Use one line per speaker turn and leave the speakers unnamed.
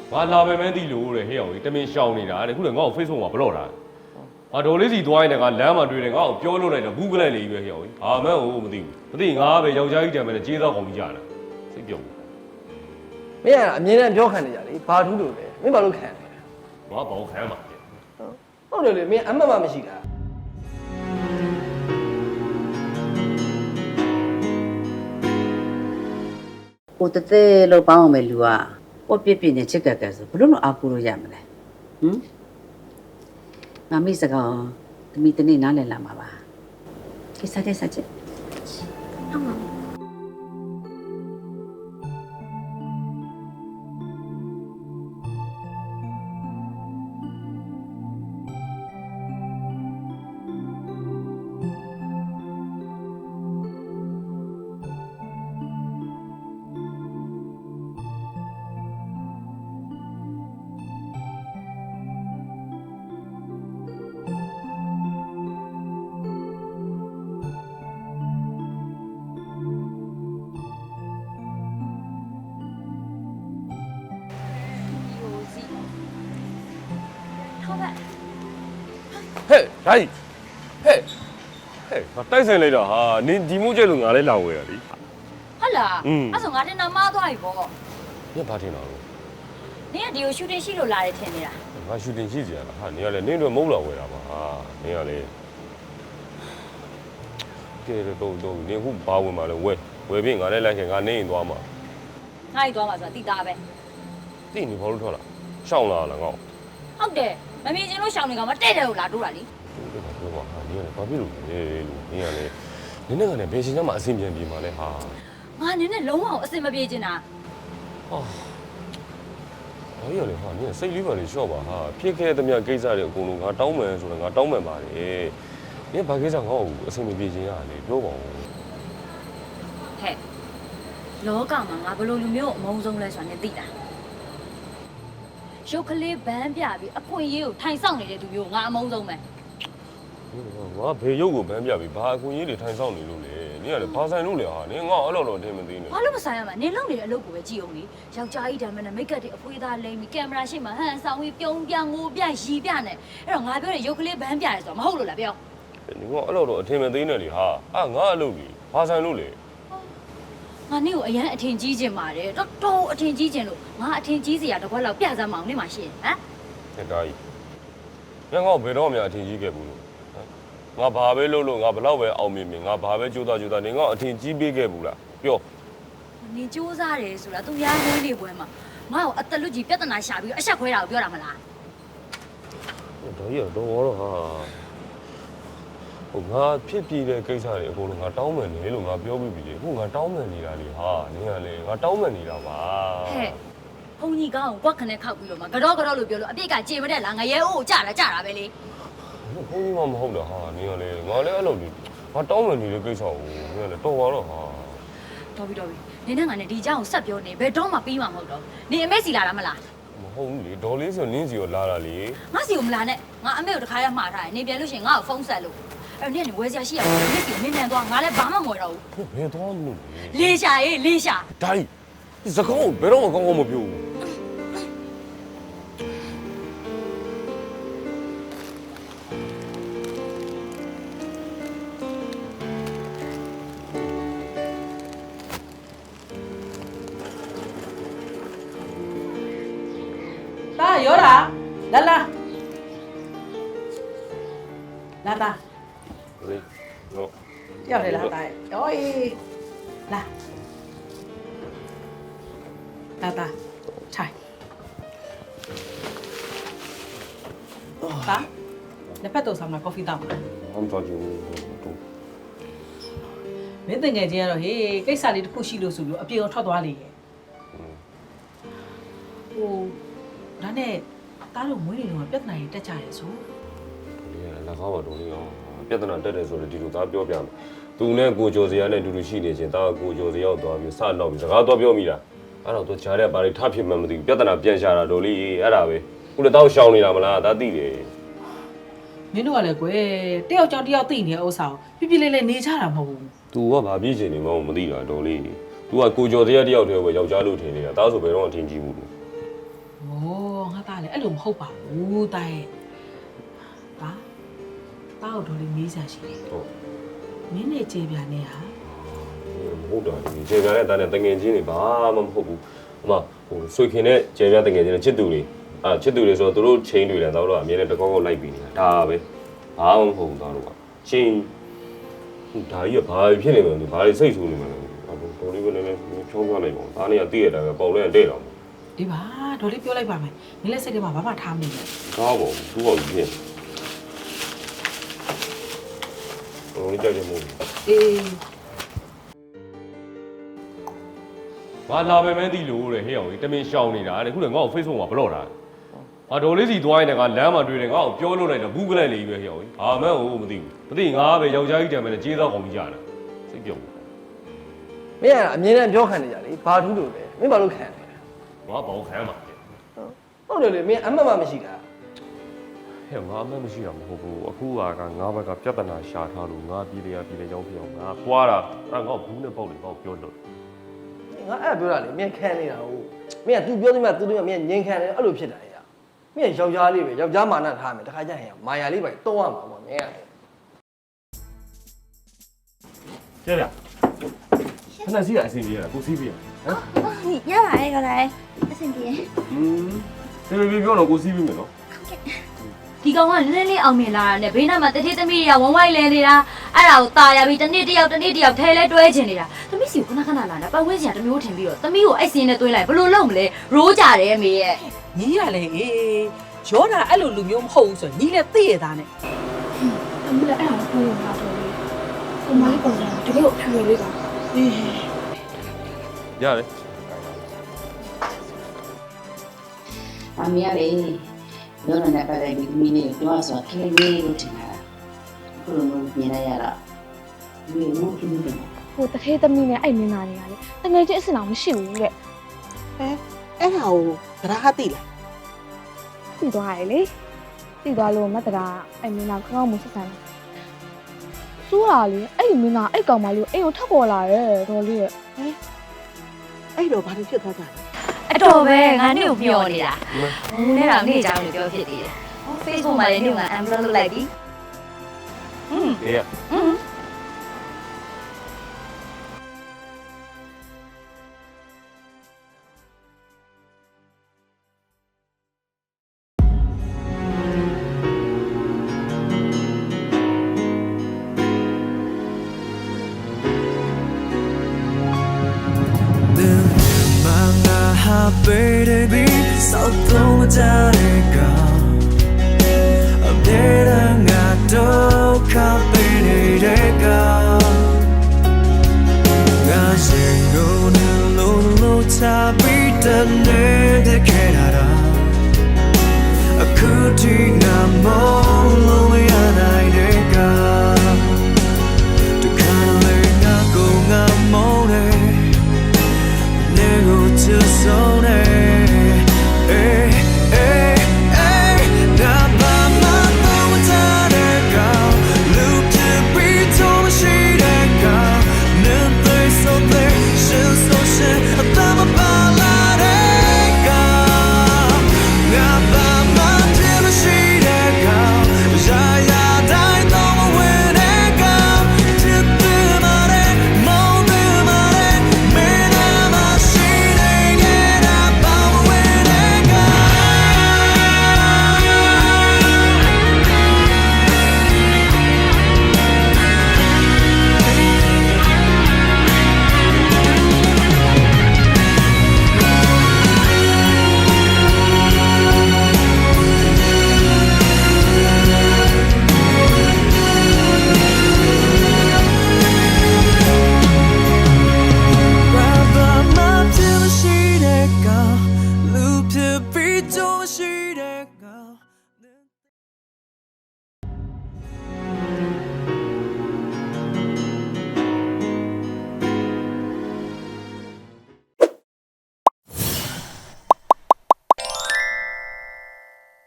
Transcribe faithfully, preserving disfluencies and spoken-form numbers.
ငါလာပဲမန်းသိလို့တဲ့ဟဲ့အောင်ကြီးတမင်ရှောင်နေတာတဲ့ခုလည်းငါ့ကို Facebook မှာဘလော့တာငါဒေါ်လေးစီသွားရင်လည်းငါလမ်းမှာတွေ့တယ်ငါ့ကိုပြောလို့လိုက်တော့ဘူးကလန့်နေပြီပဲဟဲ့အောင်ကြီးအာမန်းကိုမသိဘူးမသိငါပဲယောက်ျားကြီးတံမယ်နဲ့ကြေးသောကောင်ကြီးကြတာစိတ်ပြုံး
မင်းကအမြင်နဲ့ပြောခံနေကြလေဘာထူးလို့လဲမင်းဘာလို့ခံလဲ
ငါဘောခံမှာ
ဟုတ်တယ်လေမင်းအမှတ်မှမရှိတာ
ဟိုတသေးလို့ပေါင်းအောင်ပဲလူကပေါ့ပြစ်ပြစ်နဲ့ချစ်ကက်ကက်ဆိုဘလို့လို့အားကိုးလို့ရမလဲဟမ်ငါမိစကောင်သမီးတနေ့နားလည်လာမှာပါကိစ္စတဲ့စချက်ဟုတ်ပါ
ဟဲ့ဒါကြီးဟဲ့ဟဲ့ငါတိုက်ဆိုင်လိုက်တော့ဟာနင်ဒီမိုးကျဲလို့ငါလည်းလာဝဲရလी
ဟုတ်လားအဲ့ဆိုငါတင်တာမှားသွားပြီပေါ့
နင်ဘာထင်တာလဲ
နင်ကဒီကိုရှူတင်ရှိလို့လာတယ်ထင်နေတာ
ငါရှူတင်ရှိစီရလားဟာနင်ကလည်းနင်တို့မဟုတ်လာဝဲတာပါဟာနင်ကလည်းကဲတော့တော့နင်ခုဘာဝင်มาလဲဝဲဝဲပြီးငါလည်းလိုက်ခင်ငါနေရင်သွားမှာ
ငါ့ကြီးသွားမှာဆိုတာတိသားပဲ
တိနေဘာလို့ထွက်လာရှောင်းလာလားငါ့
ဟုတ်တယ်မမြင်ချင်းလို့ရှောင်းနေကမှတဲ့တယ်လို့လာတိုးတာလေ
ဟုတ်တယ်ပြောပါဟာနင်ကလည်းဘာဖြစ်လို့လဲလို့နင်ကလည်းနင်နဲ့ကလည်းဘယ်ချိန်မှအဆင်ပြေပြေမှာလဲဟာ
ငါနင်နဲ့လုံးဝအဆင်မပြေချင်တာ
ဟာဘာရလဲဟာနင်စိတ်လေးပါလေရှော့ပါဟာဖြစ်ခဲ့တဲ့မြတ်ကိစ္စတွေအကုန်လုံးငါတောင်းမယ်ဆိုတော့ငါတောင်းမယ်ပါတယ်နင်ဘာကိစ္စငါ့ကိုအဆင်မပြေချင်ရလေပြောပါဦး
ဟဲ့လောကမှာငါဘလို့လူမျိုးအမုန်းဆုံးလဲဆိုတာနင်သိလားရုပ်ကလေးဘန်းပြပြီးအခွင့်အရေးကိုထိုင်ဆောင်နေတဲ့သူမျိုးငါအမုန်းဆုံးပဲ
ငါဘေရုပ်ကိုဘန်းပြပြီးဘာအခွင့်အရေးတွေထိုင်ဆောင်နေလို့လဲနင်ကလည်းဘာဆိုင်လို့လဲဟာနင်ငါအဲ့လိုတော့အထင်မသိနေ
ဘာလို့မဆိုင်ရမှာနင်လုံနေတဲ့အလုပ်ကိုပဲကြည့်အောင်လေယောက်ျားကြီးတမ်းမနဲ့မိတ်ကပ်တွေအဖွေးသားလိမ့်ပြီးကင်မရာရှေ့မှာဟန်ဆောင်ပြီးပြုံးပြငိုပြရီပြနဲ့အဲ့တော့ငါပြောတဲ့ရုပ်ကလေးဘန်းပြရဲဆိုတော့မဟုတ်လို့လားပြော
နင်ကအဲ့လိုတော့အထင်မသိနေလေဟာအာငါအလုပ်ကြီးဘာဆိုင်လို့လဲ
ငါနင့်ကိုအရန်အထင်ကြီးခြင်းပါတယ်တော်တော်အထင်ကြီးခြင်းလို့ငါအထင်ကြီးစရာတစ်ခွက်လောက်ပြစမ်းမအောင်နေမှာရှိရင်ဟမ်
တဲ့ဒါကြီးငါငါ့ဘယ်တော့မှအထင်ကြီးခဲ့ဘူးလို့ငါဘာပဲလုပ်လို့ငါဘလောက်ပဲအောင်မြင်မြင်ငါဘာပဲကြိုးစားကြိုးစားနေငါအထင်ကြီးပေးခဲ့ဘူးလားပြော
နင်ကြိုးစားတယ်ဆိုတာသူများနှင်းနေပွဲမှာငါ့ကိုအသက်လွတ်ကြီးပြဿနာရှာပြီးအဆက်ခွဲတာကိုပြောတာမလား
ဒါကြီးတော့တော့ဟာဟိုငါဖြစ်ပြီးတဲ့ကိစ္စတွေအကုန်လုံးငါတောင်းမယ်နေလို့ငါပြောပြီးပြီလေအခုငါတောင်းမယ်နေတာလေဟာနင်ကလေငါတောင်းမယ်နေတာပါ
ဟဲ့ဘုံကြီးကောင်းကိုကွက်ခနဲ့ခောက်ပြီးတော့မှကတော့ကတော့လို့ပြောလို့အပြစ်ကကြေမတဲ့လားငရဲအိုးကိုကြတာကြတာပဲလေ
ဘုံကြီးမမဟုတ်တာဟာနင်ကလေငါလည်းအဲ့လိုလေငါတောင်းမယ်နေတဲ့ကိစ္စကိုနင်ကလေတော်သွားတော့ဟာ
တော်ပြီတော်ပြီနင်နဲ့ငါနဲ့ဒီအကြောင်းကိုဆက်ပြောနေဘယ်တော့မှပြီးမှာမဟုတ်တော့နင်အမေစီလာတာမလား
မဟုတ်ဘူးလေဒေါ်လေးဆိုနင်းစီကိုလာတာလေ
ငါစီကိုမလာနဲ့ငါအမေကိုတခါရမှားထားတယ်နင်ပြန်လို့ရှိရင်ငါ့ကိုဖုန်းဆက်လို့အဲ့နင်ကဝယ်စရာရှိရမယ်နင်စီမင်းနန်သွားငါလည်းဘာမှမဝယ်တော့
ဘူးဘယ်သွားလို့
လေရှာရေးလေရှာ
ဒါကြီးစကောင်းဘယ်တော့မှကောင်းကောင်းမပြောဘူး
တာရောတာလာလာလာတာ
လေဟုတ်
ရောက်တယ်လားတာရောအေးလာလာတာထိုင်ပါလက်ဖက်တော့ဆောင်မှာကော်ဖီတောက်မှာ
ဟမ်တော့ကျူတူ
မင်းတငယ်ချင်းကတော့ဟေးကိစ္စလေးတစ်ခုရှိလို့ဆိုလို့အပြေကိုထွက်သွားလေရဲ့ဟိုဒါနဲ့တားလို့မွေးနေတော့ပြဿနာကြီးတက်ကြရဲဆို
ဒီက၎င်းပါတော့လေရောပြဿနာတက်တယ်ဆိုတော့ဒီလိုသားပြောပြမယ်သူနဲ့ကိုကျော်စရာနဲ့အတူတူရှိနေချင်းတာကိုကျော်စရာရောက်သွားပြီးစတော့ပြီးစကားတော့ပြောမိတာအဲ့တော့သူကြားတဲ့ဘာတွေထဖြစ်မှမသိဘူးပြဿနာပြန်ရှာတာတော်လေးအဲ့ဒါပဲခုလည်းတောက်ရှောင်နေတာမလားဒါသိတယ်
မင်းတို့ကလည်းကွယ်တယောက်ကြောင့်တယောက်သိနေတဲ့ဥစ္စာကိုပြပြလေးလေးနေကြတာမဟုတ်ဘူး
तू ကဘာပြည့်ချင်နေမှမသိတာတော်လေး तू ကကိုကျော်စရာတယောက်တည်းပဲယောက်ျားလို့ထင်နေတာဒါဆိုဘယ်တော့အထင်ကြီးဘူးလို့
ဟိုလည်းအဲ့လိုမဟုတ်ပါဘူးတာရဲ့တာတာကိုတော့လေမေးစားရှိတယ်
ဟုတ်
မင်းနဲ့ကျေပြာနဲ့ဟာ
ဟုတ်တယ်ဒီကျေပြားနဲ့တာနဲ့တငယ်ချင်းတွေဘာမှမဟုတ်ဘူးအမဟိုဆွေခင်နဲ့ကျေပြားတငယ်ချင်းနဲ့ချစ်သူတွေအာချစ်သူတွေဆိုတော့သူတို့ချင်းတွေလည်းတော့တော့အမြဲတမ်းတကောက်ကောက်လိုက်ပြီးနေတာဒါပဲဘာမှမဟုတ်ဘူးတော့တော့ချင်းဒါကြီးကဘာဖြစ်နေမှန်းဘာတွေစိတ်ဆိုးနေမှန်းတော်လေးပဲလည်းဖြောင်းပြလိုက်ပါဦးဒါနဲ့ကတည့်ရတာပဲပေါင်လဲတဲ့တော့
အေးပါဒေါ်လေးပြောလိုက်ပါမယ်မင်းလည်းစိတ်ထဲမှာဘာမှထားမနေနဲ့
ကားပေါ့သူ့ဘောကြီးဖြစ်ဟိုကြကြမို့
အေး
ဘာလာပဲမန်းသိလို့တဲ့ဟဲ့အောင်ကြီးတမင်ရှောင်နေတာတဲ့ခုလည်းငါ့ကို Facebook မှာဘလော့တာဟာဒေါ်လေးစီသွားရင်လည်းငါလမ်းမှာတွေ့တယ်ငါ့ကိုပြောလို့လိုက်တော့ဘူးကလန့်နေပြီပဲဟဲ့အောင်ကြီးဘာမှန်းဟိုမသိဘူးမသိငါပဲယောက်ျားကြီးတံမယ်နဲ့ကြေးသားကောင်ကြီးကြတာစိတ်ပြုံး
မင်းကအမြင်နဲ့ပြောခံနေကြလေဘာထူးလို့လဲမင်းဘာလို့ခံလဲ
ဘာဘောင်ခံမှာ
ဟုတ်တယ်လေမင်းအမှတ်မှမရှိတာ
ဟဲ့ငါအမှန်မရှိတာမဟုတ်ဘူးအခုကငါဘက်ကပြဿနာရှာထားလို့ငါပြည်လေရပြည်လေရောက်ပြောင်းငါပွားတာအဲ့ငါ့ဘူးနဲ့ပေါက်လေပေါက်ပြောလို့
ငါအဲ့ပြောတာလေမင်းခံနေတာဟုတ်မင်းက तू ပြောသမျှ तू တို့ကမင်းငြိမ်ခံတယ်အဲ့လိုဖြစ်တာလေမင်းကယောက်ျားလေးပဲယောက်ျားမာနထားမယ်တခါကျရင်မာယာလေးပဲတုံးရမှာပေါ့မင်းက
ကျေဗျာခဏစီးရအစီအပြေးရကိုစီးပြေးရဟမ်
ရပါတယ်ခေါ်လိုက်အဆင်ပြေ
อืมဒီလိုပြောတော့ကိုစီးပြီးမယ်နော်
ဒီကောင်ကလင်းလင်းအောင်မြင်လာတာနဲ့ဘေးနားမှာတတိသမီးတွေကဝမ်းဝိုင်းလဲနေတာအဲ့ဒါကိုตาရပြီးတစ်နေ့တစ်ယောက်တစ်နေ့တစ်ယောက်ထဲလဲတွဲချင်နေတာသမီးစီကိုခဏခဏလာတာပတ်ဝန်းကျင်ကတစ်မျိုးထင်ပြီးတော့သမီးကိုအဲ့စင်းနဲ့တွဲလိုက်ဘယ်လိုလုပ်မလဲရိုးကြတယ်အမေရဲ့
ညီရလေအေးရောတာအဲ့လိုလူမျိုးမဟုတ်ဘူးဆိုညီလည်းသိရတာနဲ့
အမလည်းအဲ့ဒါကိုပြောရမှာတော့လေကိုမလေးပေါ်လာတကယ်ကိုဖြူရလေးက
အေး
ရတယ်
အမေကလေလောနနဲ့ပတ်သက်ပြီးမိနေပြောဆိုခလေးလေးလို့ထင်တာအခုလိုမျိုးမြင်လိုက်ရတာဒီလိုဖြစ်နေတယ်
ဟိုတထဲသမီးနဲ့အဲ့မင်းသားတွေကလေတကယ်ချင်းအစ်စင်အောင်မရှိဘူးတဲ့
အဲအဲ့ဟာကိုတရားသိလား
သိသွားရလေသိသွားလို့မတ်တရာအဲ့မင်းသားကောင်းကောင်းမဆက်ဆံတယ်စိုးလာလေအဲ့မင်းသားအဲ့ကောင်မလေးကိုအိမ်ကိုထပ်ပေါ်လာရဲ့တော်လေးရဲ့
အဲ့တော့ဘာလို့ဖြစ်သွားကြလဲ
အတော်ပဲငါနေ့ကိုမျောနေတာဟိုနဲ့တော့နေ့ကြောင်လို့ပြောဖြစ်သေးတယ်ဟော Facebook မှာလည်းနေ့ကအမ်ဘလော့လုပ်လိုက်ပြီဟွန်း
အေးရ
ဟွန်း
Baby, so don't let go. I'm dead and I don't can't let go. I say go no no no, time be done.